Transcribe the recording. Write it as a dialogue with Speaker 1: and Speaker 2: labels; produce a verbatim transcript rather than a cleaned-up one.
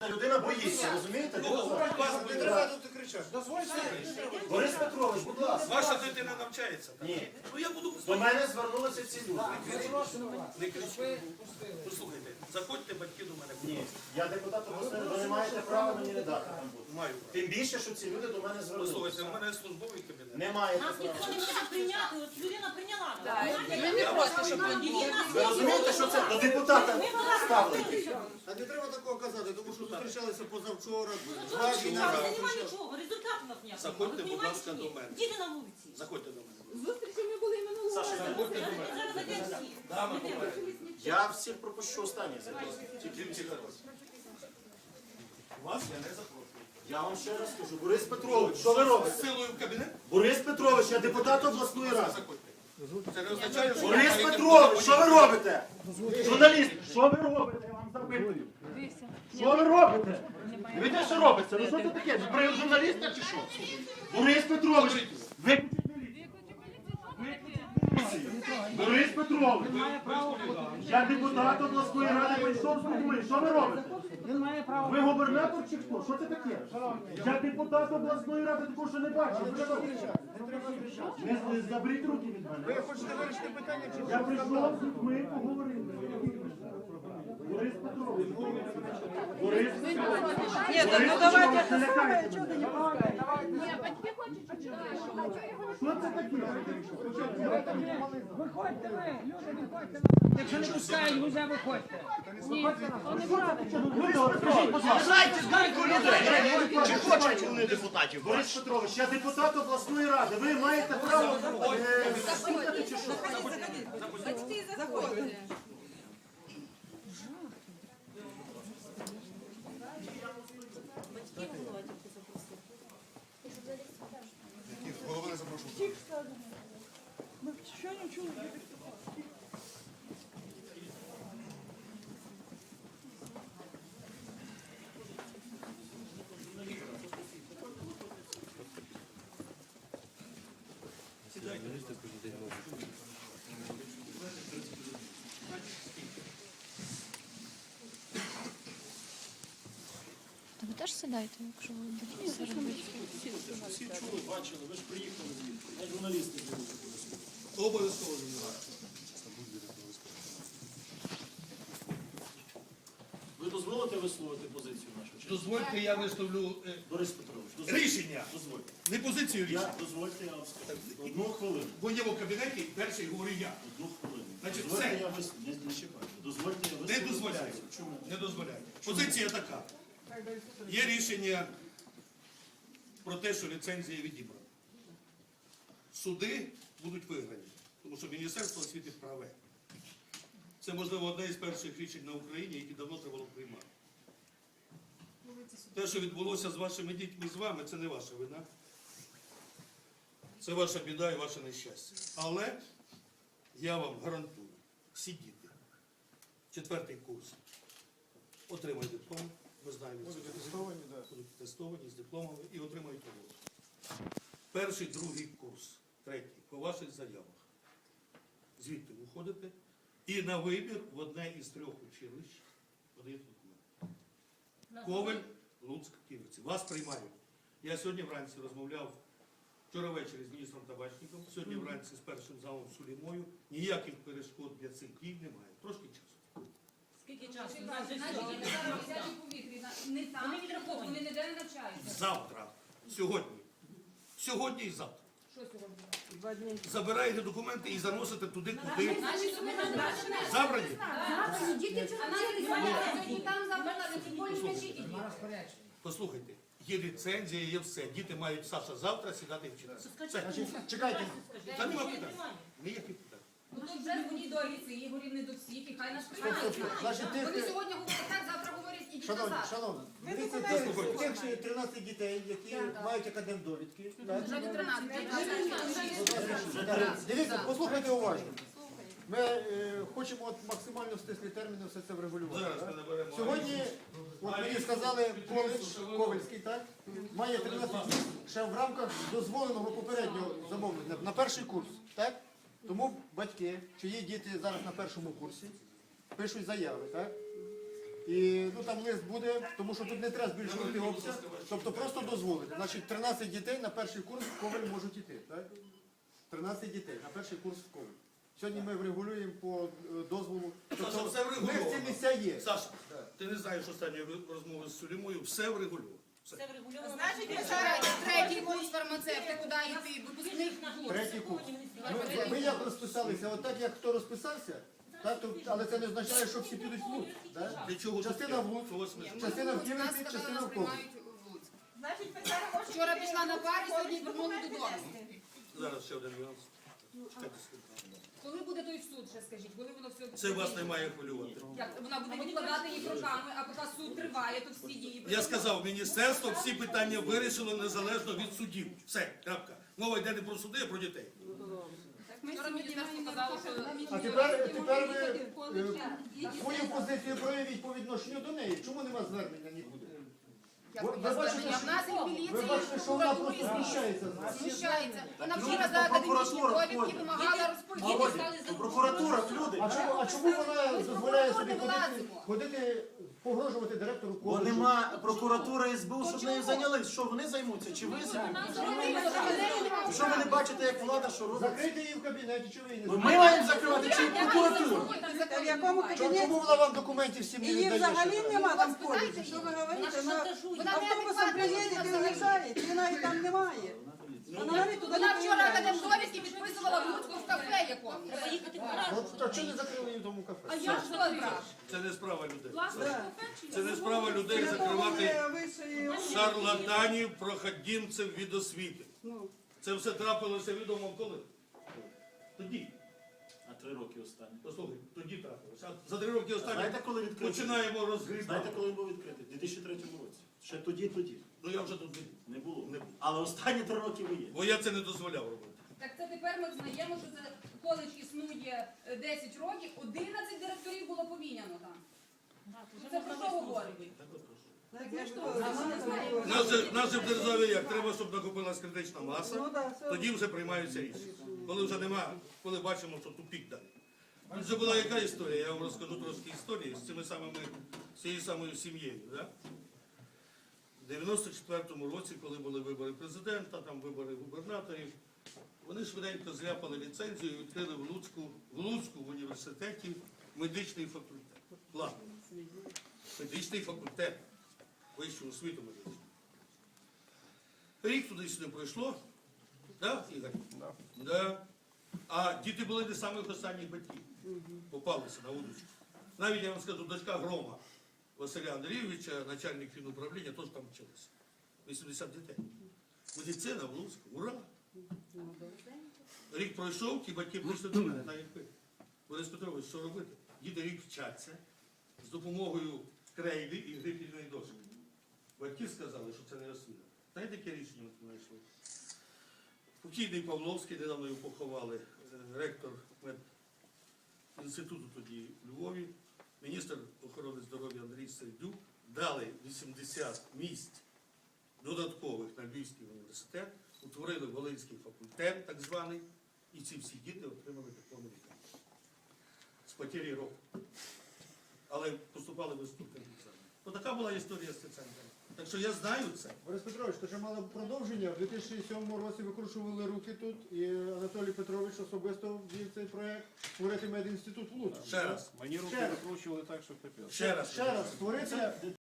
Speaker 1: Людина боїться, розумієте?
Speaker 2: Не треба тут кричати.
Speaker 1: Борис Петрович, будь ласка.
Speaker 3: Ваша дитина навчається?
Speaker 1: Ні.
Speaker 3: Ну я буду...
Speaker 1: До мене звернулися ці люди.
Speaker 3: Не кричіть. Послухайте, заходьте батьки до мене.
Speaker 1: Ні, я депутат обласної, ви не маєте права мені не дати там бути.
Speaker 3: Маю.
Speaker 1: Тим більше, що ці люди до мене
Speaker 3: Послухайте,
Speaker 1: звернулися.
Speaker 3: у мене службовий кабінет.
Speaker 1: Не маєте
Speaker 4: Нас
Speaker 1: права.
Speaker 4: ніхто не може прийняти, от людина прийняла.
Speaker 5: Ми не проти, щоб
Speaker 1: Ви розумієте, що це до депутата ставлять?
Speaker 2: А не треба такого казати, тому що зустрічалися позавчора.
Speaker 4: Нема нічого, результату у нас ніякого.
Speaker 3: Заходьте,
Speaker 4: Ви
Speaker 3: будь
Speaker 4: понімаєте,
Speaker 3: ласка,
Speaker 4: чи ні?
Speaker 3: до мене.
Speaker 4: Діти на вулиці.
Speaker 3: Заходьте до мене.
Speaker 5: Зустрічі ми були минулого разу.
Speaker 3: Заходьте до мене.
Speaker 4: Зараз зайдемо всі.
Speaker 3: Дами попереду.
Speaker 1: Я всіх пропущу останній зараз.
Speaker 3: Тільки ці зараз. Вас я не запрошую.
Speaker 1: Я вам ще раз скажу. Борис Петрович, що ви робите?
Speaker 3: З силою в кабінет?
Speaker 1: Борис Петрович, я депутат обласної ради.
Speaker 3: Заходьте. Це не означає, що...
Speaker 1: Борис Петрович, що ви робите? Журналіст, що ви робите? Я вам запитую. Що ви робите? Дивіться, що робиться? Ну що це таке? Ви при журналіста чи що? Борис Петрович, ви... Борис Петрович, я депутат обласної ради прийшов з людьми. Що ви робите? Ви губернатор чи хто? Що це таке? Я депутат обласної ради, такого що не бачив. Ви що? Не, не заберіть руки від мене.
Speaker 2: Ви хочете вирішити питання, чи
Speaker 1: Я прийшов з людьми, поговорив. Борис Петрович. Борис Петрович.
Speaker 5: Ні,
Speaker 1: Борис
Speaker 5: ну давайте.
Speaker 1: Петрович, не лякайте мене.
Speaker 5: Ні, батьки хочуть читати.
Speaker 1: Що це таке?
Speaker 6: Виходьте ви, люди, виходьте. Якщо не пускають, вже виходьте.
Speaker 1: Залишайте зганьку людей. Чи хочуть вони депутатів? Борис Петрович, я депутат обласної ради. Ви маєте право е, слухати чи що?
Speaker 5: Батьки заходять.
Speaker 2: голови не запрошую?
Speaker 6: Що не чули?
Speaker 7: Та ви теж сідайте, якщо ви будете це робити.
Speaker 1: Всі чули, бачили, ви ж приїхали звідти. Я журналісти були.
Speaker 3: Обов'язково знімаю.
Speaker 1: Ви дозволите висловити позицію нашу? Чи ні?
Speaker 3: Дозвольте, я виставлю е,
Speaker 1: Борис Петрович, дозвольте.
Speaker 3: рішення.
Speaker 1: Дозвольте.
Speaker 3: Не позицію рішення.
Speaker 1: Я, дозвольте, я вам скажу. Одну хвилину.
Speaker 3: В моєму кабінеті перший говорю я.
Speaker 1: Одну хвилину.
Speaker 3: Значить,
Speaker 1: Дозвольте,
Speaker 3: все.
Speaker 1: я вис... не, не чекайте. Дозвольте, я
Speaker 3: Не
Speaker 1: висловлю
Speaker 3: дозволяю.
Speaker 1: позицію. Чому?
Speaker 3: Не дозволяю. Позиція така. Є рішення про те, що ліцензія відібрана. Суди будуть виграні, тому що Міністерство освіти праве. Це, можливо, одне із перших рішень на Україні, які давно треба було приймати. Те, що відбулося з вашими дітьми, з вами, це не ваша вина. Це ваша біда і ваше нещастя. Але я вам гарантую, всі діти, четвертий курс, отримають диплом, ми знаємо, будуть тестовані, будуть тестовані з дипломами і отримають роботу. Перший, другий курс, третій, по ваших заявах. Звідти виходите і на вибір в одне із трьох училищ подаєте документи. Ковель, Луцьк, Ківерці. Вас приймають. Я сьогодні вранці розмовляв, вчора ввечері з міністром Табачником, сьогодні вранці з першим залом Сулімою. Ніяких перешкод для цих дій немає. Трошки часу.
Speaker 4: Скільки часу? У нас
Speaker 8: Наші
Speaker 4: же
Speaker 8: діти
Speaker 4: все.
Speaker 8: зараз висять у повітрі, не там,
Speaker 4: Вони відраховані.
Speaker 8: вони ніде не навчаються.
Speaker 3: Завтра, сьогодні, сьогодні і завтра.
Speaker 8: Що сьогодні?
Speaker 3: Забираєте документи і заносите туди, куди
Speaker 8: Наші документи наші не
Speaker 3: забрані.
Speaker 8: Завтра діти вчора сьогодні там, завтра там, тим більше скажіть іди.
Speaker 3: Послухайте, є ліцензія, є все. Діти мають, Саша, завтра сідати і вчитися. Все.
Speaker 2: Чекайте.
Speaker 3: Та нема питань. Ніяких питань.
Speaker 8: Ну то вже дзвоніть до Аліси, Ігорів не до всіх, і хай нас приймають.
Speaker 2: Значить,
Speaker 8: Вони
Speaker 2: тих,
Speaker 8: сьогодні говорять так, завтра говорять, ідіть
Speaker 2: шановні,
Speaker 8: назад.
Speaker 2: шановні, дивіться, тих, тих ще тринадцять дітей, які мають академдовідки. так?
Speaker 8: Вже до тринадцяти.
Speaker 2: Дивіться, послухайте уважно. Ми е, хочемо от максимально в стислі терміни все це врегулювати.
Speaker 3: Зараз ми
Speaker 2: так?
Speaker 3: наберемо.
Speaker 2: Сьогодні, от мені сказали, коледж Ковельський, так? Має тринадцять днів ще в рамках дозволеного попереднього замовлення на перший курс. так? Тому батьки, чиї діти зараз на першому курсі, пишуть заяви, так? І ну там лист буде, тому що тут не треба збільшувати обсяг, тобто просто дозволити. Значить, тринадцять дітей на перший курс в Ковель можуть іти. Так? тринадцять дітей на перший курс в Ковель. Сьогодні ми врегулюємо по е, дозволу.
Speaker 3: Саша,
Speaker 2: Тобто,
Speaker 3: все
Speaker 2: в них
Speaker 3: врегульовано.
Speaker 2: ці місця є.
Speaker 3: Саша, ти не знаєш останньої розмови з Сулімою, все врегульовано. Все.
Speaker 4: Це врегульовано.
Speaker 5: Значить,
Speaker 4: на-
Speaker 5: якщо третій курс фармацевти, куди йти? Випускник
Speaker 2: Третій курс. Ми, ви як розписалися? От так як хто розписався, так, то, але це не означає, що всі підуть в Луцьк. Так?
Speaker 3: Для чого
Speaker 2: Частина в Луцьк,
Speaker 3: Чого смисл?
Speaker 2: частина в Київці, частина в Ковель.
Speaker 5: Вчора пішла на парі, сьогодні вернули додому.
Speaker 3: Зараз ще один нюанс. Чекайте секунду.
Speaker 5: Коли буде той суд, ще скажіть, коли воно все...
Speaker 3: Це вас не має хвилювати.
Speaker 5: Як вона буде відкладати їх роками, а поки суд триває, то всі дії...
Speaker 3: Я сказав, міністерство всі питання вирішило незалежно від судів. Все, крапка. Мова йде не про суди, а про дітей.
Speaker 5: Вчора міністерство казало, що...
Speaker 2: А тепер, тепер ви е, свою позицію проявіть по відношенню до неї. Чому нема звернення нікуди?
Speaker 5: Як
Speaker 2: Ви-
Speaker 5: вона
Speaker 2: ви бачите,
Speaker 5: звернення? В нас і в
Speaker 2: Ви
Speaker 5: міліції,
Speaker 2: бачите,
Speaker 5: і в
Speaker 2: що вона
Speaker 5: прокуратурі
Speaker 2: просто знущається з вас.
Speaker 5: знущається. Вона
Speaker 1: Люди
Speaker 5: вчора
Speaker 1: до
Speaker 5: за академічні
Speaker 1: прокуратури
Speaker 5: довідки
Speaker 1: ходять.
Speaker 5: вимагала розподілити.
Speaker 1: Володя, прокуратура, люди.
Speaker 2: А чому, а чому вона дозволяє собі
Speaker 5: не
Speaker 2: ходити,
Speaker 5: влазимо.
Speaker 2: ходити погрожувати директору
Speaker 1: Бо
Speaker 2: коледжу?
Speaker 1: нема прокуратура СБУ, щоб нею зайнялись. Що вони займуться? Чи ви займаєтесь? Що ви не бачите, як влада що робить?
Speaker 2: Закрийте її в кабінеті, чи ви її не
Speaker 1: Ми
Speaker 2: закриєте?
Speaker 1: маємо закривати чи прокуратуру?
Speaker 6: В якому
Speaker 2: Чому-
Speaker 6: кабінеті?
Speaker 2: Чому вона вам документів всім не
Speaker 6: Її
Speaker 2: віддає?
Speaker 6: взагалі
Speaker 2: ще?
Speaker 6: нема там в коледжі. Що ви говорите? Вона
Speaker 5: Вона
Speaker 6: автобусом приїде і уїжджає, її навіть там немає. Вона навіть туди
Speaker 5: Вона
Speaker 6: не
Speaker 5: вчора
Speaker 6: приїжджає.
Speaker 5: академдовідки підписувала в Луцьку в кафе якомусь.
Speaker 4: Треба їхати в гараж.
Speaker 2: От, а чого не закрили її в тому кафе?
Speaker 5: А я що брав?
Speaker 3: Це не справа людей.
Speaker 6: Да.
Speaker 3: Це не справа людей
Speaker 6: Для того
Speaker 3: закривати
Speaker 6: ми вищої освіти.
Speaker 3: шарлатанів, проходімців від освіти.
Speaker 6: Ну,
Speaker 3: Це все трапилося відомо коли? Тоді.
Speaker 9: А три роки останні.
Speaker 3: Послухай, тоді трапилося. А за три роки останні
Speaker 1: Знаєте, коли відкритий?
Speaker 3: починаємо
Speaker 1: Знаєте,
Speaker 3: розгрібати.
Speaker 1: коли він був відкритий? У дві тисячі третьому році. Ще тоді, тоді.
Speaker 3: Ну я вже тут не-
Speaker 1: Не було.
Speaker 3: не був.
Speaker 1: Але останні три роки ви є.
Speaker 3: Бо я це не дозволяв робити.
Speaker 5: Так це тепер ми знаємо, що це коледж існує е, десять років, одинадцять директорів було поміняно там. Це про що говорить?
Speaker 6: так я ж то-
Speaker 3: Нас же, нас же в державі як? Треба, щоб накопилась критична
Speaker 6: Ну,
Speaker 3: маса,
Speaker 6: да, все.
Speaker 3: тоді вже приймаються рішення. Коли вже нема, коли бачимо, що тупік далі. Тут же була яка історія, я вам розкажу трошки історії з цими самими, з цією самою сім'єю. Да? В дев'яносто четвертому році, коли були вибори президента, там вибори губернаторів, вони швиденько зляпали ліцензію і відкрили в Луцьку, в Луцьку в університеті медичний факультет. Ладно. Медичний факультет. Вищу освіту медичну. Рік туди-сюди пройшло. Да, Ігор? Да. Да. А діти були не самих останніх батьків. Попалися на удочку. Навіть я вам скажу, дочка Грома Василя Андрійовича, начальник фінуправління, теж там вчилася. вісімдесят дітей. Медицина в Луцьку. Ура! Рік пройшов, ті батьки прийшли до мене, так як ви. Борис Петрович, що робити? Діти рік вчаться з допомогою крейди і грифельної дошки. Батьки сказали, що це не освіта. Знаєте, яке рішення ми знайшли? Покійний Павловський, недавно його поховали, е, ректор медінституту тоді в Львові, міністр охорони здоров'я Андрій Сердюк дали вісімдесят місць додаткових на Львівський університет, утворили Волинський факультет, так званий, і ці всі діти отримали дипломи лікаря. З потері року. Але поступали без вступних екзаменів. Ну, така була історія з центром. Так що я знаю це.
Speaker 2: Борис Петрович, то що мало продовження. В дві тисячі сьомому році викручували руки тут, і Анатолій Петрович особисто ввів цей проєкт створити медінститут в Луцьку.
Speaker 3: Ще раз.
Speaker 9: Мені руки
Speaker 2: Ще раз.
Speaker 9: викручували так, що капець.
Speaker 3: Ще раз.
Speaker 2: Ще раз створити